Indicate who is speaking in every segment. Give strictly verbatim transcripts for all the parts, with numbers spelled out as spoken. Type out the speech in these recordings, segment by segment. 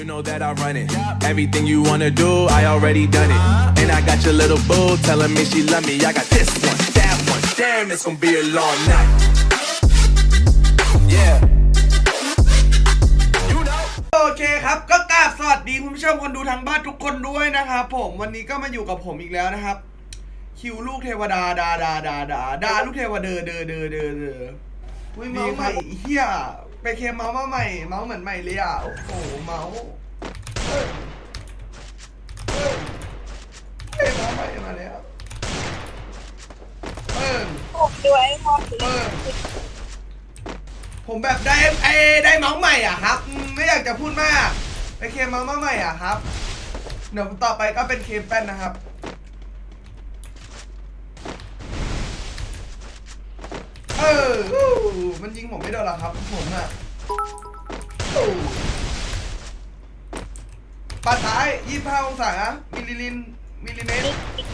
Speaker 1: You know that I run it. Everything you wanna do, I already done it. And I got your little boo telling me she love me. I got this one, that one. Damn, it's gonna be a long night. Yeah. You know.
Speaker 2: โอเคครับก็กราบสวัสดีคุณผู้ชมคนดูทางบ้านทุกคนด้วยนะครับผมวันนี้ก็มาอยู่กับผมอีกแล้วนะครับคิวลูกเทวดาดาดาดาดาดาลูกเทวดาเดอเดอเดอเดอเดออุ้ยเมาส์ใหม่เฮียไปเคมเมาส์มาใหม่เมาส์เหมือนใหม่เลยอ่ะโอ้โหเมาส์เฮ้ยเฮ้ยเฮ้ยเมาส์ใหม่มาแล้วเออ
Speaker 3: ผมด้วยพอถึง
Speaker 2: เออผมแบบได้ไอ้ได้เมาส์ใหม่อ่ะครับไม่อยากจะพูดมากไปเคมเมาส์มาใหม่อ่ะครับเดี๋ยวต่อไปก็เป็นเคมแป้นนะครับเออมันยิงผมไม่โดนหรอครับผมอะปัดท้ายยี่สิบห้าองศามิลลิลินมิลลิเมตร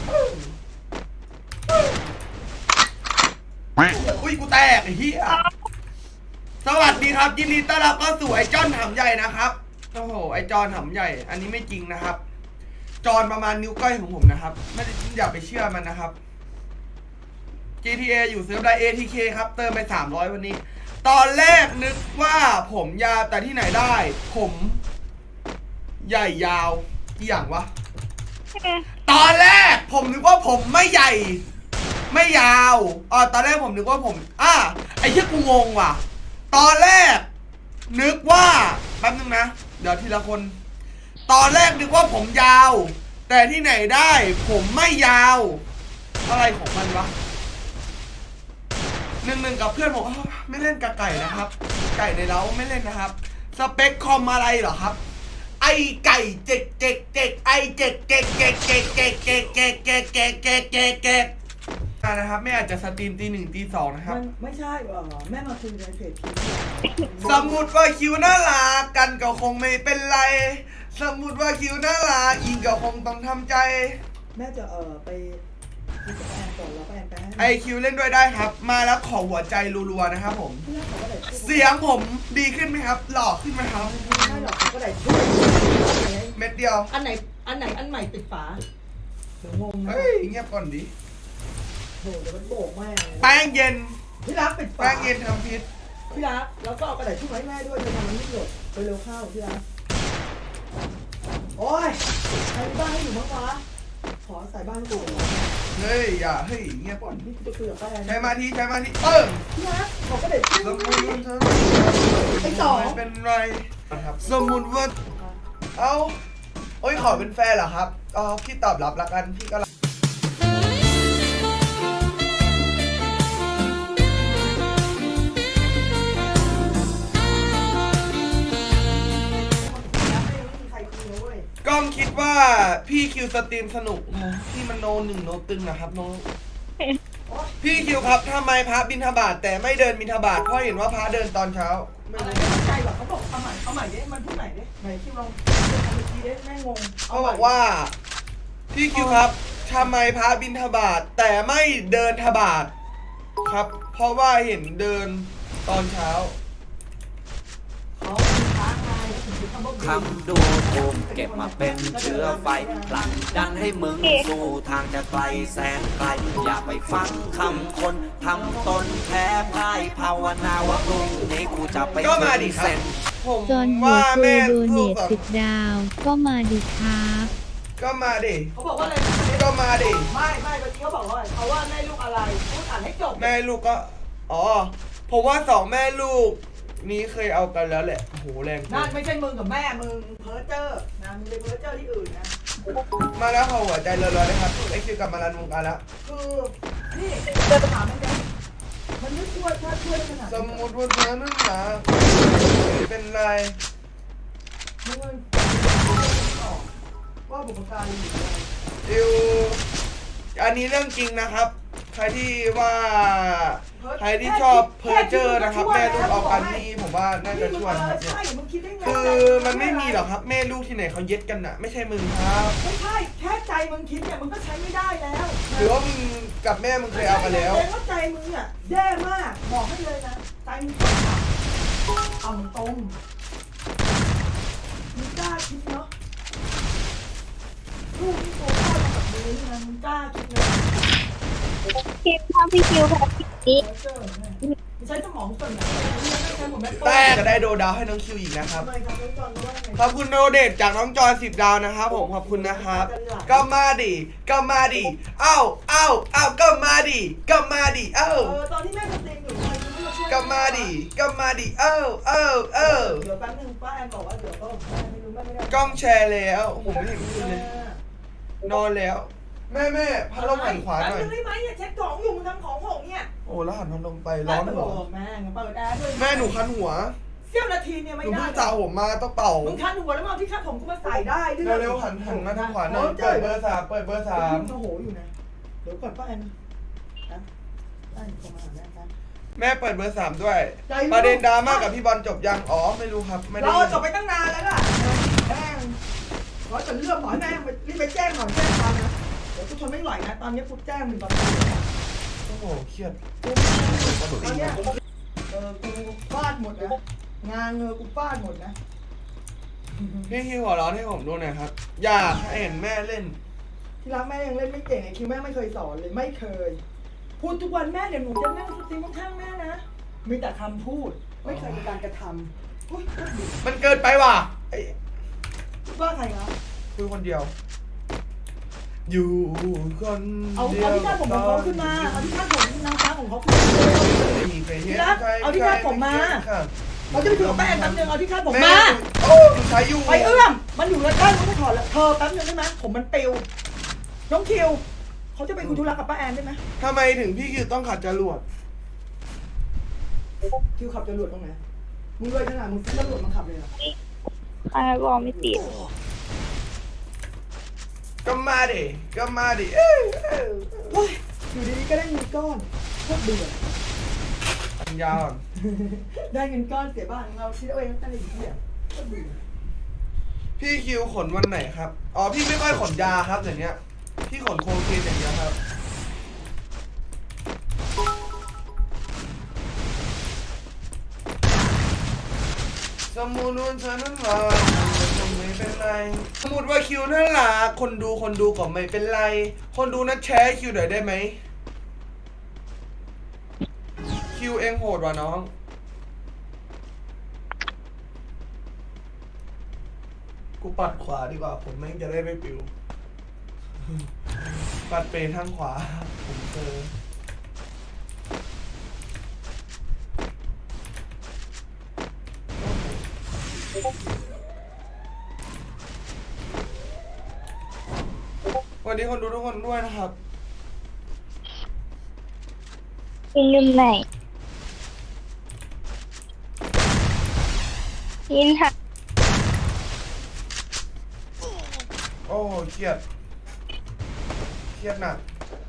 Speaker 2: อุ้ยกูแตกไอ้เหี้ยสวัสดีครับยินดีต้อนรับเข้าสู่ไอ้จอนหำใหญ่นะครับโอ้โหไอ้จอนหำใหญ่อันนี้ไม่จริงนะครับจอนประมาณนิ้วก้อยของผมนะครับไม่ได้อย่าไปเชื่อมันนะครับจี ที เอ อยู่เซิร์ฟได้ เอ ที เค ครับเติมไปสามร้อยวันนี้ตอนแรกนึกว่าผมยาวแต่ที่ไหนได้ผมใหญ่ยาวอีหยังวะตอนแรกผมนึกว่าผมไม่ใหญ่ไม่ยาวอ๋อตอนแรกผมนึกว่าผมอ่ะไอ้เหี้ยกูงงว่ะตอนแรกนึกว่าแป๊บนึงนะเดี๋ยวทีละคนตอนแรกนึกว่าผมยาวแต่ที่ไหนได้ผมไม่ยาวอะไรของมันวะหนึ่งหนึ่งกับเพื่อนผมไม่เล่นกับไก่นะครับไก่ในเล้าไม่เล่นนะครับสเปคคอมอะไรเหรอครับไอไก่เจ๊กเจ๊กเจ๊กไอเจ๊กเจ๊กเจ๊กเจ๊กเจ๊กเจ๊กเจ๊กเจ๊กเจ๊กเจ๊กเจ๊กเจ๊กนะครับไม่อาจจะสตรีมตีหนึ่งตีสองนะครับ
Speaker 4: ไม่ใช่เออแม่มาคุยในเพจคิว
Speaker 2: สมมุติว่าคิวน่ารักกันก็คงไม่เป็นไรสมมุติว่าคิวน่ารักอิงก็คงต้องทำใจ
Speaker 4: แม่จะเออไปคุยกับแอนก่อนแล้วแอนไปให้
Speaker 2: ไอคิวเล่นด้วยได้ครับมาแล้วขอหัวใจรัวๆนะครับผมเสียงผมดีขึ้นไหมครับหล่อขึ้นไหมครับ
Speaker 4: ไม่ใช่หรอกเขาก็ได้ช่วย
Speaker 2: เม็ดเดียว
Speaker 4: อันไหนอันไหนอันใหม่ติดฝาเดี๋ยวงงนะ
Speaker 2: เฮ้ยเงียบก่อนดิ
Speaker 4: โหเดี๋ยวมันโบกแม่
Speaker 2: แป้งเย็น
Speaker 4: พี่รักปิดฝา
Speaker 2: แป้งเย็นทำพิษ
Speaker 4: พี่รักแล้วก็เอากระดาษช่วยให้แม่ด้วยจะทำมันไม่หยดไปเร็วเข้าพี่รักโอ้ยใครบ้านให้อยู่มั้งวะขอใส่บ้านให้ดู
Speaker 2: เฮ้ยอย่าเฮ้ยเงียบก่อน
Speaker 4: นี่จะคุยกับแอน
Speaker 2: ใช้มาทีใช้มาทีเอิ่ม
Speaker 4: พี่รักขอกระดาษช่วย
Speaker 2: สมมุติว่าเธอ
Speaker 4: ไอ้สอง
Speaker 2: ไม่เป็นไรนะครับสมมุติว่าเอ้าโอ้ยขอเป็นแฟนเหรอครับอ๋อพี่ตอบรับละกันพี่ก็กล้องคิดว่าพี่คิวสตรีมสนุกพี่มันโนหนึ่งโนตึงนะครับโนพี่คิวครับทำไมพระบิณฑบาตแต่ไม่เดินบิณฑบาตเพราะเห็นว่าพระเดินตอนเช้าไม่
Speaker 4: อะไร
Speaker 2: รู้
Speaker 4: ไม่เข้าใจหรอกเขาบอกเอาใหม่เอาใหม่ดิมันพูดใหม่ดิไหนที่ลองทำเมื่อกี้ดิแม่งง
Speaker 2: เขาบอกว่าพี่คิวครับทำไมพระบิณฑบาตแต่ไม่เดินฑบาตครับ เพราะว่าเห็นเดินตอนเช้า
Speaker 4: เขาท้าทายถึงจะทำบ้า
Speaker 5: คำดูถูกเก็บมาเป็นเชื้อไฟผลักดันให้มึงสู่ทางจะไกลแสนไกลอย่าไปฟังคำคนทำตนแพ้พ่ายภาวนาว่าพรุ่งนี้กูจะไป
Speaker 2: ก็มาดิครับ
Speaker 5: เซ็น
Speaker 2: ผม
Speaker 6: จนหัว
Speaker 2: ว่า
Speaker 6: คุ
Speaker 2: แม่
Speaker 6: ยโดเน
Speaker 2: ลูก
Speaker 6: ท
Speaker 2: แบบ
Speaker 6: สิบดาว ก็มาดีครับ
Speaker 2: ก็มาดิ
Speaker 4: เขาบอกว่าอะไร
Speaker 2: ก็มาดิ
Speaker 4: ไม่ไม่เมื่อกี้เขาบอกว่าเขาว่าแม่ลูกอะไรพูดอ่านให้จบ
Speaker 2: แม่ลูกก็อ๋อผมว่าสองแม่ลูกนี้เคยเอากันแล้วแหละโอ้โหแรงเกิ
Speaker 4: นั่น
Speaker 2: น
Speaker 4: ไม่ใช่มึงกับแม่มึงเพ้อเจ้อนะมึงไปเพ้อเจ้อที่อื่นนะ
Speaker 2: มาแล้วขอหัวใจเร็วๆนะครับไอคิวกลับมารันวงการแล้ว
Speaker 4: คือนี่เดินถามมันยังมันไม่ช่วยถ้าช่วยขนาด
Speaker 2: สมมติว่าเธอนั่นหนาเป็นไร
Speaker 4: มึงว่าบุพการีอยู่อะไร
Speaker 2: ดิวอันนี้เรื่องจริงนะครับ ใครที่ว่าใครที่ชอบเพอร์เจอร์นะครับแม่ลูกเอากันนี่ผมว่าน่าจะช่วยนะครับเนี่ย
Speaker 4: ใช่มึงคิดได้ไง
Speaker 2: คือมันไม่มีหรอกครับแม่ลูกที่ไหนเขาเย็ดกันน่ะไม่ใช่มึงครับ
Speaker 4: ไม่ใช่แค่ใจมึงคิดเนี่ยมึงก็ใช้ไม่ได้แล้ว
Speaker 2: หรือว่ามึงกับแม่มึงเคยเอากันแล้ว
Speaker 4: แสดงว่าใจมึงอ่ะแย่มากบอกให้เลยนะใจมึงเอาตรงมึงกล้ากล้าคิดนะ
Speaker 3: คิวถ้าพี่คิวแพ้พี่นี้
Speaker 4: เจอเนี่ยใช้สมองส่วนไหนไม่ใช้ผมแม่
Speaker 2: แต่จะได้โดดาวให้น้องคิวอีกนะครับ
Speaker 4: ทำไมครับน้องจอนว่าไง
Speaker 2: ขอบคุณโดเดทจากน้องจอยสิบดาวนะครับผมขอบคุณนะครับก็มาดิก็มาดิเอ้าเอ้าเอ้าก็มาดิก็มาดิเอ้า
Speaker 4: เออตอนที่แม่ทำเพลงอยู่ทำไมคุณไม่มาช่วย
Speaker 2: ก็มาดิก็มาดิเอ้าเอ้าเอ้า
Speaker 4: เดี๋ยวแป๊บนึงป้าแอนบอกว่าเดี๋ยวก็แม่ไม่รู้แม่ไม่ได้
Speaker 2: กล้องแชร์แล้วผมไม่เห็นคุณเลยนอนแล้ว แม่แม่พัดลมหันขวาหน่อย
Speaker 4: แป๊บนึงได้ไหมเนี่ยเช็คของอยู่มึงทำของหกเนี่ย
Speaker 2: โอ้แล้วหันพัดลมไปร้อนหัว
Speaker 4: แม่งเปิดแอร์ด้วย
Speaker 2: แม่หนูคันหัว
Speaker 4: เสี้ยวนาทีเนี่ย
Speaker 2: ห
Speaker 4: ไม่
Speaker 2: นู
Speaker 4: ได้
Speaker 2: เพิ่งจ่าผมมาต้องเป่า
Speaker 4: มึงคันหัวแล้วมาเอาที่คาดผมกูมาใส่ได้ด้วย
Speaker 2: เร็วๆหันหันมาทางขวาหน่อยเปิดเบอร์สามเปิดเบอร์สาม
Speaker 4: โอ้โหอยู่นะเดี๋ยวก่อนป้าแอนนะป้าแอนโทรมาหาแม่ครับ
Speaker 2: แม่เปิดเบอร์สามด้วย
Speaker 4: ใจไม่
Speaker 2: ประเด็นดราม่ากับพี่บอลจบยังอ๋อไม่รู้ครับไม่ได้
Speaker 4: เรา
Speaker 2: ยิน
Speaker 4: จบไปตั้งนานแล้วล่ะแม่งขอจะเรื่องหน่อยแม่งรีบไปแจ้งหน่อยแจ้งความนะเดี๋ยวกูทนไม่ไหวนะตอนนี้กูแจ้งมึงตอนนี้
Speaker 2: โอ้โหเครียด
Speaker 4: ตอนเนี้ยเออกูฟาดหมดนะงานเออกูฟาดหมดนะ
Speaker 2: พี่คิวหัวเร้อนให้ผมดูหน่อยครับ อยากให้เห็นแม่เล่น
Speaker 4: ที่รักแม่ยังเล่นไม่เก่งไอ้คิวแม่ไม่เคยสอนเลยไม่เคย พูดทุกวันแม่เดี๋ยวหนูจะนั่งสตรีมข้างๆแม่นะมีแต่คำพูดไม่เคยมีการกระทำอุ้ย
Speaker 2: มันเกินไปว่ะไอ้
Speaker 4: ว่าใครนะ
Speaker 2: คุยคนเดียว อยู่คน
Speaker 4: เอา
Speaker 2: เดียว
Speaker 4: เอาที่คาดผมของเขาขึ้นมาเอาที่คาดผมนางฟ้าของเขาขึ้นมา
Speaker 2: ไม่มีใครเห็น
Speaker 4: ที่รัก
Speaker 2: ใคร
Speaker 4: เอาที่คาดผมมา
Speaker 2: ครับ
Speaker 4: เราจะไปถึงแป้งแป๊บนึงเอาที่คาดผม
Speaker 2: แม่
Speaker 4: มา
Speaker 2: โอ้ดูใช้อยู่
Speaker 4: ไปเอื้อมมันอยู่แล้วใกล้มันไม่ถอดแล้วเธอแป๊บนึงได้ไหมผมมันปิวน้องคิวเขาจะไปคุยธุระกับป้าแอนได้ไหม
Speaker 2: ทำไมถึงพี่คิวต้องขัดจรวด
Speaker 4: คิวขับจรวดตรงไหนมึงเลยขนาดมึงซื้อจรวดมาขับเลยเหรอ
Speaker 3: ใครบอกไม่ติด
Speaker 2: ก็มาดิก็มาดิเอ้ยเอ้ย
Speaker 4: โอ้ยอยู่ดีๆก็ได้เงินก้อนโคตรเบื่อ
Speaker 2: ปัญญาอ่อน
Speaker 4: ได้เงินก้อนเสียบ้านเราคิดเอาเองตั้งแต่อยู่ที่อ่ะโคตรเบื่อ
Speaker 2: พี่คิวขนวันไหนครับ อ๋อพี่ไม่ค่อยขนยาครับเดี๋ยวนี้พี่ขนโคเคนอย่างเดียวครับ สมมุติว่าเธอนั้นรักก็ไม่เป็นไร สมมติว่าคิวนั้นรักคนดูคนดูก็ไม่เป็นไร คนดูนั้นแชร์ให้คิวหน่อยได้ไหม คิวเองโหดว่ะน้อง กูปัดขวาดีกว่าผมแม่งจะได้ไม่ปิว ปัดเปทางขวา ผมเจอ วันนี้คนดูทุกคนด้วยนะครับ
Speaker 3: ยินลืมไหนยินค่ะ
Speaker 2: โอ้เครียด เครียดหนัก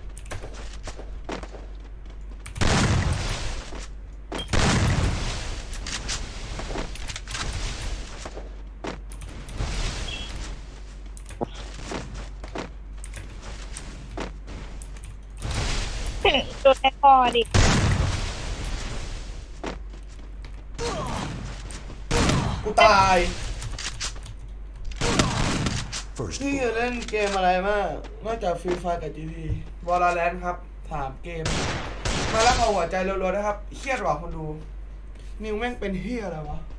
Speaker 3: โดนแอคคอร์ดิ
Speaker 2: กูตาย พี่จะเล่นเกมอะไรมาก นอกจากฟรีไฟกับ จี ที วอลเลนครับ ถามเกม มาแล้วเอาหัวใจรัวๆนะครับ เครียดหรอคนดู นิวแม่งเป็นเฮียอะไรวะ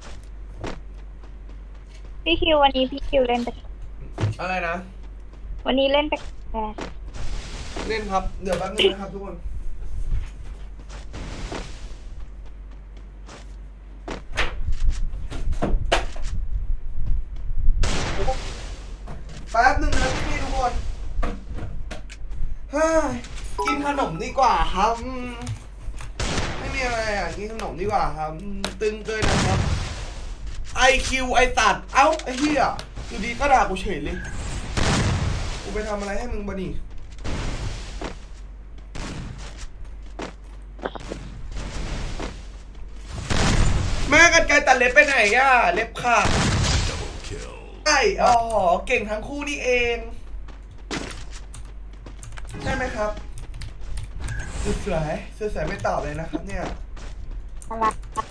Speaker 3: พี่คิววันนี้พี่คิวเล่นแต่
Speaker 2: อะไรนะ
Speaker 3: วันนี้เล่นแต่แก
Speaker 2: เล่นครับ เดี๋ยวแป๊บนึงนะครับทุกคน แป๊บนึงนะพี่ทุกคนเฮ้ยกินขนมดีกว่าครับอืมไม่มีอะไรอ่ะ กินขนมดีกว่าครับอืมตึงเกินนะครับ ไอ คิว ไอตัด เอ้า ไอเหี้ยอยู่ดีก็ด่ากูเฉยเลย กูไปทำอะไรให้มึงบะนี่แม่กันไกลตัดเล็บไปไหนอ่ะ เล็บขาดไอ้อ๋อเก่งทั้งคู่นี่เอง ใช่ไหมครับสุดสวยสุดสวยไม่ตอบเลยนะครับเนี่ย
Speaker 3: อะไร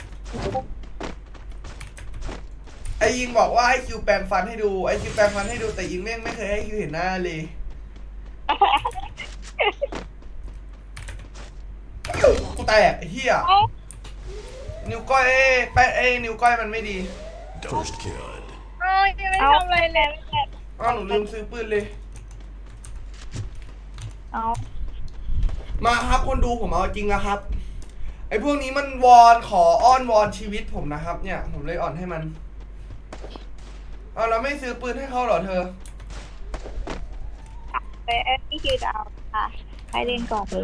Speaker 2: ไอยิงบอกว่าให้คิวแปรงฟันให้ดู ไอคิวแปรงฟันให้ดูแต่ยิงแม่งไม่เคยให้คิวเห็นหน้าเลยกูแตกไอ้เหี้ยนิ้วก้อยแปะเอ้นิ้วก้อยมันไม่ดี
Speaker 7: First kill.
Speaker 3: เอ้ยยังไม่ทำอะไรเลย
Speaker 2: อ้าวหนูลืมซื้อปืนเลย
Speaker 3: เอา
Speaker 2: มาครับคนดูผมเอาจริงนะครับ ไอ้พวกนี้มันวอนขออ้อนวอนชีวิตผมนะครับ เนี่ย ผมเลยอ่อนให้มันเอาแล้วไม่ซื้อปืนให้เขาเหรอเธอ
Speaker 3: ไปพี่คิวดาวค่ะให้เล่นก่อนเลย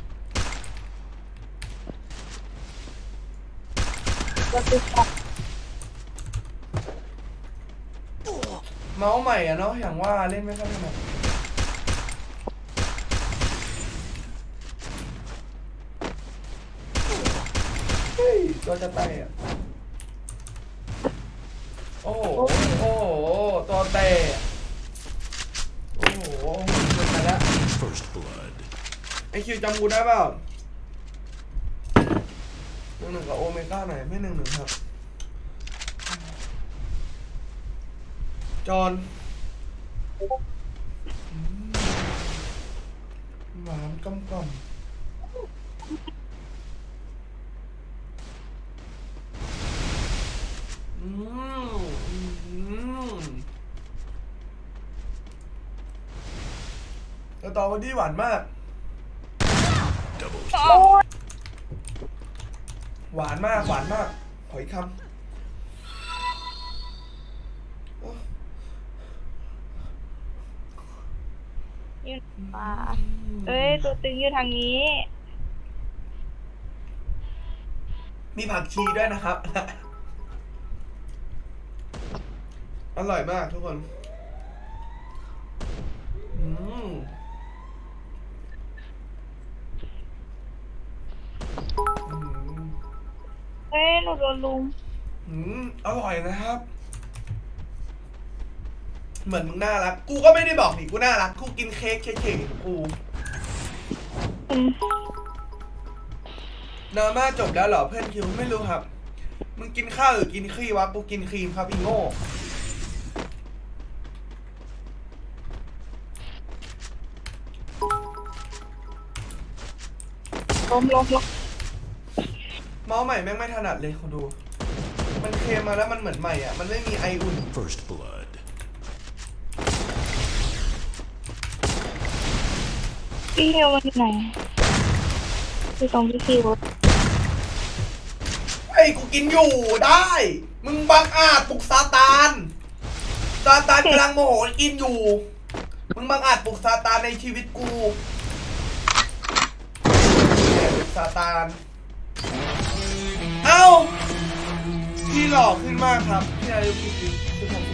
Speaker 3: ก็คือ
Speaker 2: เมาส์ใหม่อะเนาะอย่างว่าเล่นไม่ค่อยถนัดเฮ้ยตัวจะแตกโอ้โหโอ้โหตัวแตกโอ้โหเกินไปแล้ว
Speaker 7: First blood.
Speaker 2: ไอคิวจำกูได้เปล่าหนึ่งหนึ่งกับโอเมก้าไหนไม่หนึ่งหนึ่งครับจอห์นอืมหวานกำกำอืมอืมสตรอเบอรี่หวานมาก
Speaker 7: Double
Speaker 2: หวานมาก หวานมาก ขออีกคำโอ้
Speaker 3: ยืนป่าเอ้ยตัวตึงอยู่ทางนี้
Speaker 2: มีผักชีด้วยนะครับ อร่อยมากทุกคน อืมอืม
Speaker 3: เอ้ยหนูโดนลุม
Speaker 2: อืมอร่อยนะครับ เหมือนมึงน่ารัก กูก็ไม่ได้บอกนี่กูน่ารัก กูกินเค้กเค้กๆของกู
Speaker 3: อืม
Speaker 2: ดราม่าจบแล้วเหรอเพื่อนคิวไม่รู้ครับ มึงกินข้าวหรือกินครีมวะ กูกินครีมครับอีโง่
Speaker 3: ล้มล้มล้ม
Speaker 2: เมาส์ใหม่แม่งไม่ถนัดเลยคุณดู มันเคลมมาแล้วมันเหมือนใหม่อ่ะ มันไม่มีไออุ่น
Speaker 7: First blood.
Speaker 3: พี่คิวมันอยู่ไหนอยู่ตรงพี่คิว
Speaker 2: ไอ้ยกูกินอยู่ได้ มึงบังอาจปลุกซาตานซาตานกำลังโมโหกินอยู่ มึงบังอาจปลุกซาตานในชีวิตกูแอบปลุกซาตาน เอ้า พี่หล่อขึ้นมากครับ พี่อายุกี่ปีสิบหก